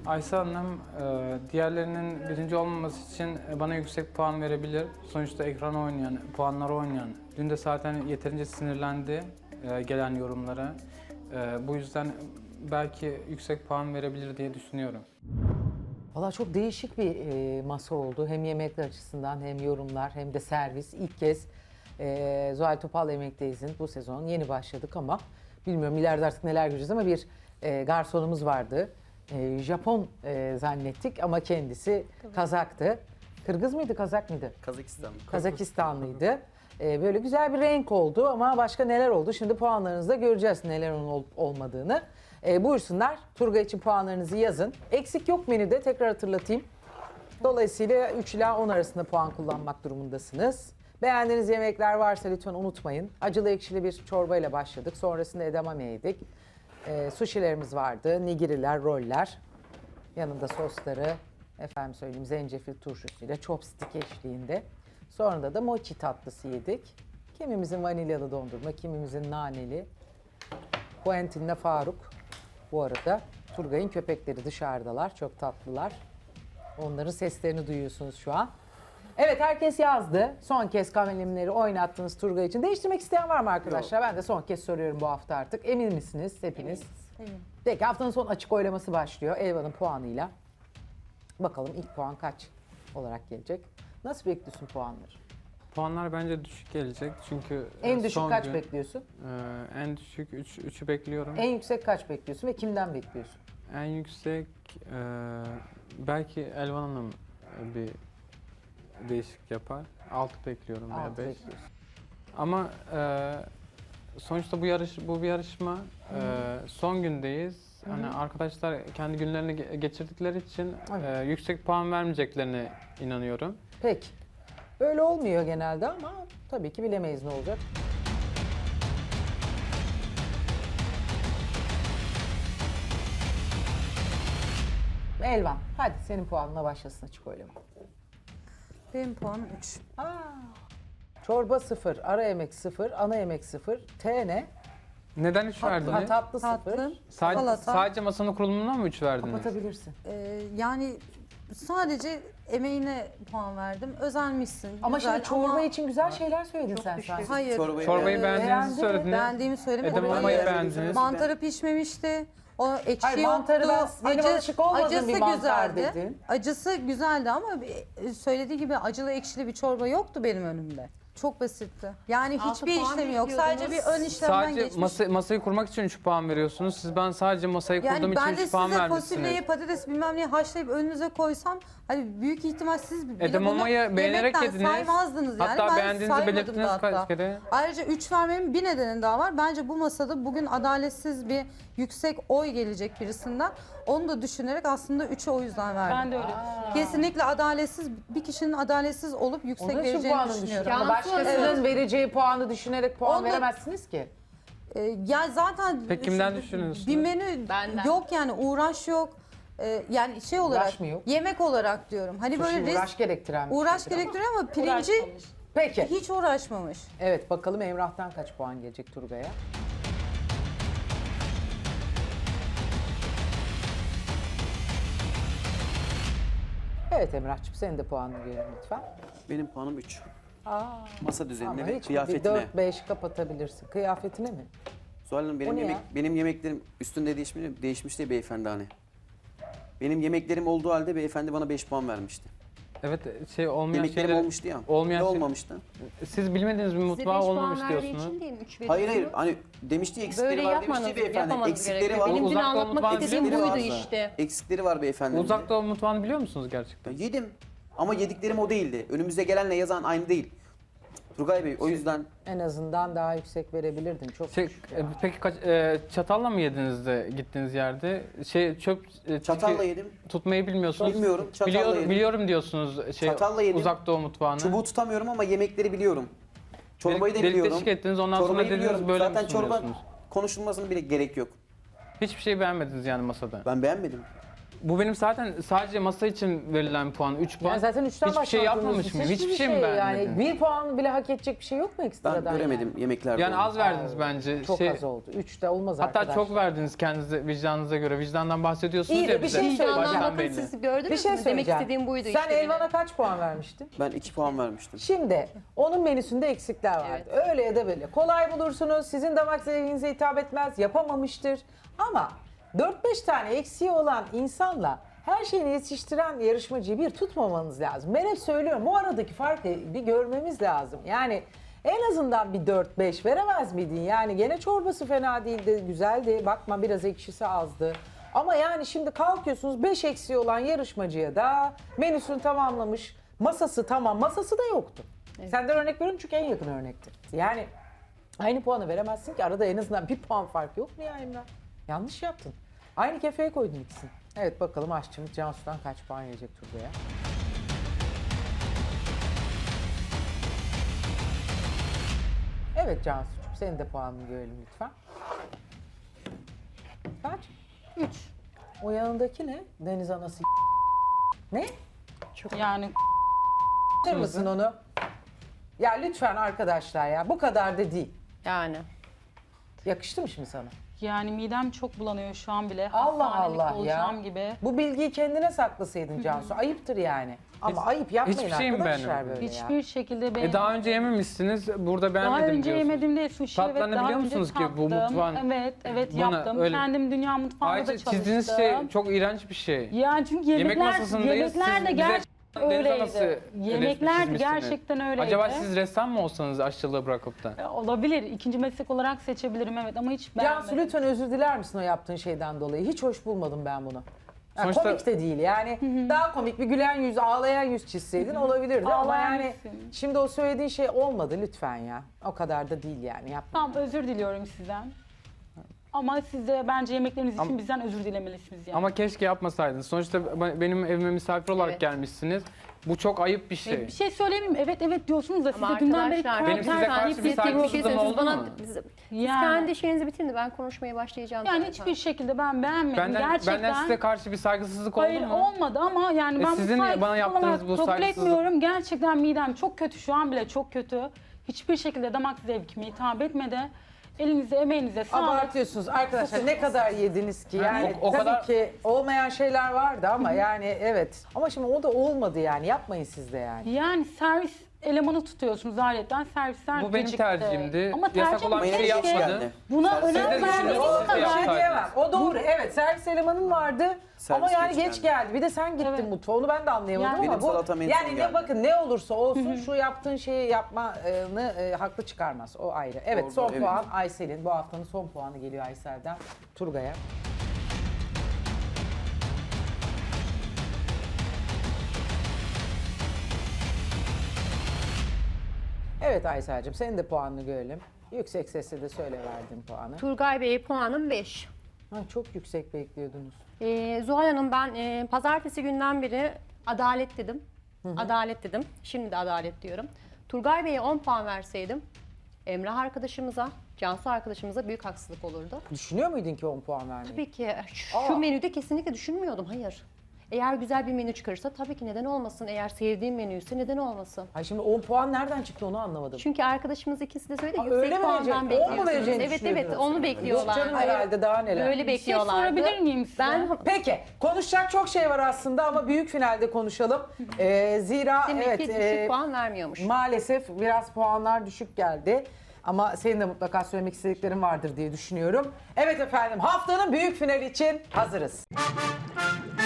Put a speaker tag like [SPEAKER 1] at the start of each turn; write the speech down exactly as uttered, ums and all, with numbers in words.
[SPEAKER 1] Aysel Hanım, e, diğerlerinin birinci olmaması için bana yüksek puan verebilir. Sonuçta ekran oynayan, puanları oynayan. Dün de zaten yeterince sinirlendi e, gelen yorumlara. E, bu yüzden belki yüksek puan verebilir diye düşünüyorum.
[SPEAKER 2] Valla çok değişik bir e, masa oldu. Hem yemekler açısından hem yorumlar hem de servis. İlk kez e, Zuhal Topal Yemek'teyiz'in bu sezon yeni başladık ama bilmiyorum ileride artık neler göreceğiz ama bir e, garsonumuz vardı. E, Japon e, zannettik ama kendisi Kazaktı. Kırgız mıydı, Kazak mıydı?
[SPEAKER 3] Kazakistan.
[SPEAKER 2] Kazakistanlıydı. Ee, böyle güzel bir renk oldu ama başka neler oldu? Şimdi puanlarınızda göreceğiz neler onun olup olmadığını. Ee, buyursunlar. Turgay için puanlarınızı yazın. Eksik yok menüde, tekrar hatırlatayım. Dolayısıyla üç ila on arasında puan kullanmak durumundasınız. Beğendiğiniz yemekler varsa lütfen unutmayın. Acılı ekşili bir çorbayla başladık. Sonrasında edamame yedik. Ee, sushilerimiz vardı. Nigiriler, roller. Yanında sosları, efendim söyleyeyim zencefil turşusuyla chopstick eşliğinde. Sonra da mochi tatlısı yedik. Kimimizin vanilyalı dondurma, kimimizin naneli. Quentin'le Faruk. Bu arada Turgay'ın köpekleri dışarıdalar, çok tatlılar. Onların seslerini duyuyorsunuz şu an. Evet, herkes yazdı. Son kez kalemleri oynattınız Turgay için. Değiştirmek isteyen var mı arkadaşlar? Ben de son kez soruyorum bu hafta artık. Emin misiniz hepiniz?
[SPEAKER 4] Eminim.
[SPEAKER 2] Peki haftanın son açık oylaması başlıyor Elvan'ın puanıyla. Bakalım ilk puan kaç olarak gelecek? Nasıl bekliyorsun puanları?
[SPEAKER 1] Puanlar bence düşük gelecek çünkü e,
[SPEAKER 2] En düşük
[SPEAKER 1] son
[SPEAKER 2] kaç
[SPEAKER 1] gün,
[SPEAKER 2] bekliyorsun?
[SPEAKER 1] e, en düşük üç, üçü bekliyorum.
[SPEAKER 2] En yüksek kaç bekliyorsun ve kimden bekliyorsun?
[SPEAKER 1] En yüksek e, belki Elvan Hanım e, bir değişik yapar. altı bekliyorum veya
[SPEAKER 2] Altı
[SPEAKER 1] beş.
[SPEAKER 2] bekliyorsun.
[SPEAKER 1] Ama e, sonuçta bu yarış bu bir yarışma. E, son gündeyiz. Hani arkadaşlar kendi günlerini ge- geçirdikleri için
[SPEAKER 2] Evet.
[SPEAKER 1] e, yüksek puan vermeyeceklerine inanıyorum.
[SPEAKER 2] Peki. Öyle olmuyor genelde ama tabii ki bilemeyiz ne olacak. Elvan, hadi senin puanına başlasın açık oylama.
[SPEAKER 4] Benim puanım üç.
[SPEAKER 2] Aa, çorba sıfır, ara yemek sıfır, ana yemek sıfır. T ne?
[SPEAKER 1] Neden üç
[SPEAKER 2] Ha,
[SPEAKER 1] verdiniz?
[SPEAKER 2] tatlı sıfır.
[SPEAKER 4] Tatlı,
[SPEAKER 1] Sadece,
[SPEAKER 4] salata.
[SPEAKER 1] sadece masanın kurulumundan mı üç verdiniz?
[SPEAKER 2] Kapatabilirsin.
[SPEAKER 4] Ee, yani sadece emeğine puan verdim. Özenmişsin.
[SPEAKER 2] Ama
[SPEAKER 4] güzel
[SPEAKER 2] şimdi çorba
[SPEAKER 4] ama
[SPEAKER 2] için güzel şeyler söyledin sen sanki.
[SPEAKER 4] Hayır.
[SPEAKER 3] Çorbayı
[SPEAKER 1] Çorbayı
[SPEAKER 4] Ee,
[SPEAKER 1] beğendiğinizi
[SPEAKER 2] beğendim.
[SPEAKER 1] söylediniz.
[SPEAKER 4] Beğendiğimi söylemedim.
[SPEAKER 1] Edamamayı
[SPEAKER 4] Hayır.
[SPEAKER 1] beğendiniz.
[SPEAKER 4] Mantarı pişmemişti. O ekşi
[SPEAKER 2] Hayır,
[SPEAKER 4] yoktu.
[SPEAKER 2] mantarı ben- benim alışık olmadığım
[SPEAKER 4] acısı
[SPEAKER 2] bir mantar
[SPEAKER 4] güzeldi.
[SPEAKER 2] dedin.
[SPEAKER 4] Acısı güzeldi ama bir- söylediği gibi acılı ekşili bir çorba yoktu benim önümde. Çok basitti. Yani
[SPEAKER 5] Altı
[SPEAKER 4] hiçbir
[SPEAKER 5] puan
[SPEAKER 4] işlemi yok. Sadece bir ön işlemden
[SPEAKER 1] Sadece
[SPEAKER 4] geçmiş.
[SPEAKER 1] masa, masayı kurmak için üç puan veriyorsunuz. Siz ben sadece masayı kurduğum
[SPEAKER 4] Yani
[SPEAKER 1] için
[SPEAKER 4] ben de
[SPEAKER 1] üç puan
[SPEAKER 4] size
[SPEAKER 1] vermişsiniz.
[SPEAKER 4] fasulyeyi, patates bilmem neyi haşlayıp önünüze koysam hani büyük ihtimal siz bile
[SPEAKER 1] Edamamayı
[SPEAKER 4] bunu
[SPEAKER 1] beğenerek
[SPEAKER 4] yemekten
[SPEAKER 1] yediniz.
[SPEAKER 4] saymazdınız yani.
[SPEAKER 1] Hatta
[SPEAKER 4] Ben
[SPEAKER 1] beğendiğinizi
[SPEAKER 4] saymadım
[SPEAKER 1] belirttiniz
[SPEAKER 4] da
[SPEAKER 1] kaç
[SPEAKER 4] hatta.
[SPEAKER 1] kere.
[SPEAKER 4] Ayrıca üç vermemin bir nedeni daha var. Bence bu masada bugün adaletsiz bir yüksek oy gelecek birisinden. Onu da düşünerek aslında üçe o yüzden verdim.
[SPEAKER 5] Ben de öyle düşünüyorum.
[SPEAKER 4] Kesinlikle adaletsiz, bir kişinin adaletsiz olup yüksek
[SPEAKER 2] Onun için
[SPEAKER 4] vereceğini
[SPEAKER 2] puanını
[SPEAKER 4] düşünüyorum.
[SPEAKER 2] düşünüyorum. Ama
[SPEAKER 5] Cansu
[SPEAKER 2] başkasının
[SPEAKER 4] Hanım.
[SPEAKER 2] vereceği puanı düşünerek puan
[SPEAKER 4] Onu da-
[SPEAKER 2] veremezsiniz ki.
[SPEAKER 4] Ee, yani zaten
[SPEAKER 1] Peki kimden
[SPEAKER 4] şu-
[SPEAKER 1] düşünüyorsunuz?
[SPEAKER 4] Bir menü
[SPEAKER 5] Benden.
[SPEAKER 4] yok yani uğraş yok. Ee, yani şey olarak
[SPEAKER 2] Uğraş mı yok?
[SPEAKER 4] yemek olarak diyorum. Hani
[SPEAKER 2] Sushi
[SPEAKER 4] böyle
[SPEAKER 2] uğraş gerektiren bir
[SPEAKER 4] uğraş
[SPEAKER 2] şeydir ama.
[SPEAKER 4] gerektiriyor ama pirinci
[SPEAKER 5] Uğraşmamış.
[SPEAKER 2] Peki.
[SPEAKER 4] hiç uğraşmamış.
[SPEAKER 2] Evet, bakalım Emrah'tan kaç puan gelecek Turgay'a? Evet Emrah'cığım senin de puanını verin lütfen.
[SPEAKER 3] Benim puanım üç.
[SPEAKER 2] Aa,
[SPEAKER 3] Masa düzenine
[SPEAKER 2] ama
[SPEAKER 3] ve
[SPEAKER 2] hiç bir
[SPEAKER 3] kıyafetine.
[SPEAKER 2] dört beş kapatabilirsin. Kıyafetine mi?
[SPEAKER 3] Zuhal Hanım
[SPEAKER 2] O
[SPEAKER 3] benim,
[SPEAKER 2] ne
[SPEAKER 3] yemek,
[SPEAKER 2] ya?
[SPEAKER 3] benim yemeklerim üstünde değişmiş, değişmiş diye beyefendi hani. Benim yemeklerim olduğu halde beyefendi bana beş puan vermişti.
[SPEAKER 1] Evet şey olmayan
[SPEAKER 3] Yemeklerim
[SPEAKER 1] şeyler
[SPEAKER 3] olmuştu ya.
[SPEAKER 1] olmayan
[SPEAKER 3] ne
[SPEAKER 1] şey-
[SPEAKER 3] olmamıştı?
[SPEAKER 1] Siz bilmediğiniz bir
[SPEAKER 5] Size
[SPEAKER 1] mutfağı
[SPEAKER 5] beş
[SPEAKER 1] olmamış
[SPEAKER 5] puan verdiği
[SPEAKER 1] diyorsunuz.
[SPEAKER 5] için değil mi? Üç
[SPEAKER 3] Hayır hayır
[SPEAKER 5] veriyorum.
[SPEAKER 3] hani demişti eksikleri
[SPEAKER 5] Böyle
[SPEAKER 3] var demişti
[SPEAKER 5] yapmanız,
[SPEAKER 3] beyefendi.
[SPEAKER 5] yapmamanız
[SPEAKER 3] Eksikleri
[SPEAKER 5] gerekiyor.
[SPEAKER 3] var.
[SPEAKER 5] Benim dün
[SPEAKER 1] Uzak Doğu
[SPEAKER 5] anlatmak
[SPEAKER 1] mutfağını
[SPEAKER 5] istediğim
[SPEAKER 3] Eksikleri
[SPEAKER 5] buydu
[SPEAKER 3] var.
[SPEAKER 5] işte.
[SPEAKER 3] Eksikleri var beyefendi.
[SPEAKER 1] Uzak Doğu mutfağını biliyor musunuz gerçekten?
[SPEAKER 3] Ya yedim ama yediklerim o değildi. Önümüzde gelenle yazan aynı değil. Turgay Bey o yüzden
[SPEAKER 2] En azından daha yüksek verebilirdin. Çok
[SPEAKER 1] Şey, e, peki kaç, e, çatalla mı yediniz de gittiğiniz yerde? Şey çöp e,
[SPEAKER 3] çatalla
[SPEAKER 1] çünkü
[SPEAKER 3] yedim.
[SPEAKER 1] tutmayı bilmiyorsunuz.
[SPEAKER 3] Bilmiyorum, çatalla
[SPEAKER 1] biliyorum,
[SPEAKER 3] yedim.
[SPEAKER 1] biliyorum diyorsunuz şey
[SPEAKER 3] Çatalla yedim.
[SPEAKER 1] Uzak Doğu mutfağını.
[SPEAKER 3] Çubuğu tutamıyorum ama yemekleri biliyorum. Çorbayı da
[SPEAKER 1] Delik
[SPEAKER 3] biliyorum.
[SPEAKER 1] deşik ettiniz ondan sonra
[SPEAKER 3] Çorbayı
[SPEAKER 1] dediniz
[SPEAKER 3] biliyorum.
[SPEAKER 1] böyle
[SPEAKER 3] Zaten
[SPEAKER 1] mi
[SPEAKER 3] çorba
[SPEAKER 1] sunuyorsunuz?
[SPEAKER 3] konuşulmasına bile gerek yok.
[SPEAKER 1] Hiçbir şey beğenmediniz yani masada.
[SPEAKER 3] Ben beğenmedim.
[SPEAKER 1] Bu benim zaten sadece masa için verilen puan. üç puan.
[SPEAKER 2] Yani zaten üçten
[SPEAKER 1] Hiçbir şey
[SPEAKER 2] başlamak
[SPEAKER 1] yapmamış
[SPEAKER 2] zorundasın.
[SPEAKER 1] mıyım? Hiçbir şey mi
[SPEAKER 2] Yani
[SPEAKER 1] beğenmedin?
[SPEAKER 2] bir puan bile hak edecek bir şey yok mu ekstradan?
[SPEAKER 3] Ben göremedim
[SPEAKER 2] yani?
[SPEAKER 3] yemeklerde.
[SPEAKER 1] Yani
[SPEAKER 3] onu.
[SPEAKER 1] az verdiniz bence.
[SPEAKER 2] Çok
[SPEAKER 1] Şey,
[SPEAKER 2] az oldu. Üçte olmaz
[SPEAKER 1] hatta
[SPEAKER 2] arkadaşlar.
[SPEAKER 1] çok verdiniz kendinize vicdanınıza göre. Vicdandan bahsediyorsunuz
[SPEAKER 2] İyi de
[SPEAKER 1] ya
[SPEAKER 2] bir
[SPEAKER 1] bize.
[SPEAKER 2] şey söyleyeceğim.
[SPEAKER 1] Baştan
[SPEAKER 5] Vicdandan bakın
[SPEAKER 1] belli.
[SPEAKER 5] siz gördünüz
[SPEAKER 2] Bir şey
[SPEAKER 5] mü? Demek
[SPEAKER 2] söyleyeceğim.
[SPEAKER 5] istediğim buydu
[SPEAKER 2] Sen
[SPEAKER 5] işte.
[SPEAKER 2] Elvan'a
[SPEAKER 5] benim.
[SPEAKER 2] kaç puan vermiştin?
[SPEAKER 3] Ben iki puan vermiştim.
[SPEAKER 2] Şimdi onun menüsünde eksikler vardı. Öyle ya da böyle. Kolay bulursunuz. Sizin damak zevkinize hitap etmez. Yapamamıştır. Ama dört beş tane eksiği olan insanla her şeyini yetiştiren yarışmacıyı bir tutmamanız lazım. Ben hep söylüyorum. Bu aradaki farkı bir görmemiz lazım. Yani en azından bir dört beş veremez miydin? Yani gene çorbası fena değildi, güzeldi. Bakma biraz ekşisi azdı. Ama yani şimdi kalkıyorsunuz beş eksiği olan yarışmacıya da menüsünü tamamlamış. Masası tamam, masası da yoktu. Senden örnek veriyorum çünkü en yakın örnekti. Yani aynı puanı veremezsin ki, arada en azından bir puan fark yok mu ya Emrah? Yanlış yaptın. Aynı kefeye koydun ikisini. Evet bakalım aşçımız Cansu'dan kaç puan yiyecek Turgay'a? Evet Cansu'cum senin de puanını görelim lütfen. Kaç?
[SPEAKER 6] Üç.
[SPEAKER 2] O yanındaki ne? Deniz anası ne?
[SPEAKER 6] Yani
[SPEAKER 2] Bilir misin onu? Ya lütfen arkadaşlar ya bu kadar da değil.
[SPEAKER 5] Yani.
[SPEAKER 2] Yakıştı mı şimdi sana?
[SPEAKER 6] yani midem çok bulanıyor şu an bile.
[SPEAKER 2] Allah
[SPEAKER 6] Hastanelik
[SPEAKER 2] Allah ya.
[SPEAKER 6] olacağım gibi.
[SPEAKER 2] Bu bilgiyi kendine saklasaydın Cansu. Ayıptır yani. Ama ayıp yapmayın
[SPEAKER 1] hiçbir şey mi
[SPEAKER 2] arkadaşlar
[SPEAKER 1] beğenmedin?
[SPEAKER 2] böyle ya.
[SPEAKER 6] Hiçbir şekilde beğenmedim.
[SPEAKER 1] E daha önce yememişsiniz. Burada
[SPEAKER 6] Daha
[SPEAKER 1] beğenmedim
[SPEAKER 6] önce
[SPEAKER 1] diyorsunuz.
[SPEAKER 6] yemediğimde sushi evet
[SPEAKER 1] Tatlarını
[SPEAKER 6] daha
[SPEAKER 1] biliyor
[SPEAKER 6] önce
[SPEAKER 1] musunuz ki bu
[SPEAKER 6] tattım.
[SPEAKER 1] mutfağın-
[SPEAKER 6] Evet evet
[SPEAKER 1] Bana
[SPEAKER 6] yaptım.
[SPEAKER 1] öyle-
[SPEAKER 6] Kendim dünya mutfağında da
[SPEAKER 1] Ayrıca
[SPEAKER 6] çalıştım.
[SPEAKER 1] çizdiğiniz şey çok iğrenç bir şey.
[SPEAKER 6] Yani çünkü
[SPEAKER 1] Yemek
[SPEAKER 6] yemekler,
[SPEAKER 1] masasındayız.
[SPEAKER 6] yemekler
[SPEAKER 1] Siz
[SPEAKER 6] de
[SPEAKER 1] bize
[SPEAKER 6] gerçekten
[SPEAKER 1] deniz anası
[SPEAKER 6] öyleydi. Yemekler
[SPEAKER 1] çizmişsiniz.
[SPEAKER 6] gerçekten öyleydi.
[SPEAKER 1] Acaba siz ressam mı olsanız aşçılığı bırakıp da?
[SPEAKER 6] E, Olabilir. İkinci meslek olarak seçebilirim evet ama hiç
[SPEAKER 2] Cansu
[SPEAKER 6] beğenmedim.
[SPEAKER 2] lütfen özür diler misin o yaptığın şeyden dolayı? Hiç hoş bulmadım ben bunu. Ya
[SPEAKER 1] Sonuçta-
[SPEAKER 2] komik de değil yani. Daha komik bir gülen yüz, ağlayan yüz çizseydin olabilirdi ama
[SPEAKER 6] Ağlayan
[SPEAKER 2] yani
[SPEAKER 6] yüzsün.
[SPEAKER 2] şimdi o söylediğin şey olmadı lütfen ya. O kadar da değil yani yapma.
[SPEAKER 6] Tamam özür diliyorum sizden. Ama siz de bence yemekleriniz için
[SPEAKER 1] Ama-
[SPEAKER 6] bizden özür dilemelisiniz yani.
[SPEAKER 1] Ama keşke yapmasaydınız. Sonuçta ben- benim evime misafir olarak
[SPEAKER 5] Evet.
[SPEAKER 1] gelmişsiniz. Bu çok ayıp bir şey.
[SPEAKER 6] Bir şey söyleyeyim mi? Evet evet diyorsunuz da siz
[SPEAKER 5] Ama
[SPEAKER 6] de dünden beri
[SPEAKER 5] arkadaşlar
[SPEAKER 1] Benim size
[SPEAKER 6] karakter
[SPEAKER 1] karşı
[SPEAKER 6] deyip
[SPEAKER 1] bir
[SPEAKER 6] deyip
[SPEAKER 1] saygısızlığım
[SPEAKER 5] Bir şey
[SPEAKER 6] duruyorsunuz.
[SPEAKER 5] söyleyeyim.
[SPEAKER 1] oldu
[SPEAKER 5] Siz bana,
[SPEAKER 1] mu?
[SPEAKER 5] siz, siz
[SPEAKER 6] Yani.
[SPEAKER 5] kendi şeyinizi bitirin de ben konuşmaya başlayacağım
[SPEAKER 6] Yani
[SPEAKER 5] zaten.
[SPEAKER 6] hiçbir şekilde ben beğenmedim.
[SPEAKER 1] Benden,
[SPEAKER 6] Gerçekten.
[SPEAKER 1] benden size karşı bir saygısızlık oldu
[SPEAKER 6] Hayır
[SPEAKER 1] mu?
[SPEAKER 6] olmadı ama yani
[SPEAKER 1] E
[SPEAKER 6] ben
[SPEAKER 1] sizin
[SPEAKER 6] bu
[SPEAKER 1] bana
[SPEAKER 6] saygısızlık
[SPEAKER 1] yaptığınız
[SPEAKER 6] olarak
[SPEAKER 1] bu
[SPEAKER 6] kabul
[SPEAKER 1] saygısızlık-
[SPEAKER 6] etmiyorum. Gerçekten midem çok kötü şu an bile çok kötü. Hiçbir şekilde damak zevkime hitap etmedi. Elinize emeğinize sağlık.
[SPEAKER 2] Abartıyorsunuz arkadaşlar ne kadar yediniz ki yani
[SPEAKER 1] o- o
[SPEAKER 2] tabii
[SPEAKER 1] kadar-
[SPEAKER 2] ki olmayan şeyler vardı ama yani evet ama şimdi o da olmadı yani yapmayın siz de yani.
[SPEAKER 6] Yani servis elemanı tutuyorsunuz ayrıca servisler
[SPEAKER 1] Bu benim
[SPEAKER 6] gecikti.
[SPEAKER 1] tercihimdi.
[SPEAKER 6] Ama
[SPEAKER 1] Yasak
[SPEAKER 6] tercih
[SPEAKER 1] olan bir şey
[SPEAKER 6] keşke
[SPEAKER 1] yapmadı.
[SPEAKER 6] Buna
[SPEAKER 3] Servis-
[SPEAKER 6] önem
[SPEAKER 3] Siz de
[SPEAKER 6] verdiğiniz
[SPEAKER 3] düşünüyorsunuz,
[SPEAKER 2] O
[SPEAKER 3] siz de
[SPEAKER 2] da bir şey
[SPEAKER 6] kadar.
[SPEAKER 2] diyemem. O doğru. Evet servis elemanın vardı.
[SPEAKER 3] Servis
[SPEAKER 2] ama yani
[SPEAKER 3] geç
[SPEAKER 2] geç
[SPEAKER 3] geldi.
[SPEAKER 2] geldi. Bir de sen gittin
[SPEAKER 6] Evet.
[SPEAKER 2] mutfağa. Onu ben de anlayamadım
[SPEAKER 6] Yani-
[SPEAKER 2] ama
[SPEAKER 3] Benim
[SPEAKER 2] bu
[SPEAKER 3] salatam en son
[SPEAKER 2] yani ne
[SPEAKER 3] geldi.
[SPEAKER 2] bakın ne olursa olsun şu yaptığın şeyi yapmanı e, haklı çıkarmaz. O ayrı. Evet
[SPEAKER 3] Doğru,
[SPEAKER 2] son
[SPEAKER 3] evet.
[SPEAKER 2] puan Aysel'in. Bu haftanın son puanı geliyor Aysel'den Turgay'a. Evet Aysel'cim senin de puanını görelim. Yüksek sesle de söyle verdiğin puanı.
[SPEAKER 5] Turgay Bey'e puanım beş.
[SPEAKER 2] Ha, çok yüksek bekliyordunuz.
[SPEAKER 5] Ee, Zuhal Hanım ben e, pazartesi günden beri adalet dedim. Adalet dedim. Şimdi de adalet diyorum. Turgay Bey'e on puan verseydim Emrah arkadaşımıza, Cansu arkadaşımıza büyük haksızlık olurdu.
[SPEAKER 2] Düşünüyor muydun ki on puan vermeyi?
[SPEAKER 5] Tabii ki şu
[SPEAKER 2] Aa.
[SPEAKER 5] menüde kesinlikle düşünmüyordum. Hayır. Eğer güzel bir menü çıkarırsa tabii ki neden olmasın. Eğer sevdiğim menüyse neden olmasın.
[SPEAKER 2] Ay şimdi on puan nereden çıktı onu anlamadım.
[SPEAKER 5] Çünkü arkadaşımız ikisi de söyledi
[SPEAKER 2] Aa,
[SPEAKER 5] yüksek
[SPEAKER 2] öyle mi
[SPEAKER 5] puandan
[SPEAKER 2] verecek? On mu
[SPEAKER 5] bekliyorsunuz.
[SPEAKER 2] vereceğini
[SPEAKER 5] Evet evet
[SPEAKER 2] düşünüyordunuz?
[SPEAKER 5] onu
[SPEAKER 2] Yok
[SPEAKER 5] bekliyorlar.
[SPEAKER 2] canım herhalde daha neler.
[SPEAKER 5] Böyle
[SPEAKER 6] Bir şey
[SPEAKER 5] bekliyorlardı.
[SPEAKER 6] sorabilir miyim size?
[SPEAKER 5] Ben
[SPEAKER 2] Peki konuşacak çok şey var aslında ama büyük finalde konuşalım. Ee, zira
[SPEAKER 5] demek
[SPEAKER 2] evet
[SPEAKER 5] ki düşük
[SPEAKER 2] e,
[SPEAKER 5] puan vermiyormuş.
[SPEAKER 2] maalesef biraz puanlar düşük geldi. Ama senin de mutlaka söylemek istediklerin vardır diye düşünüyorum. Evet efendim haftanın büyük finali için hazırız.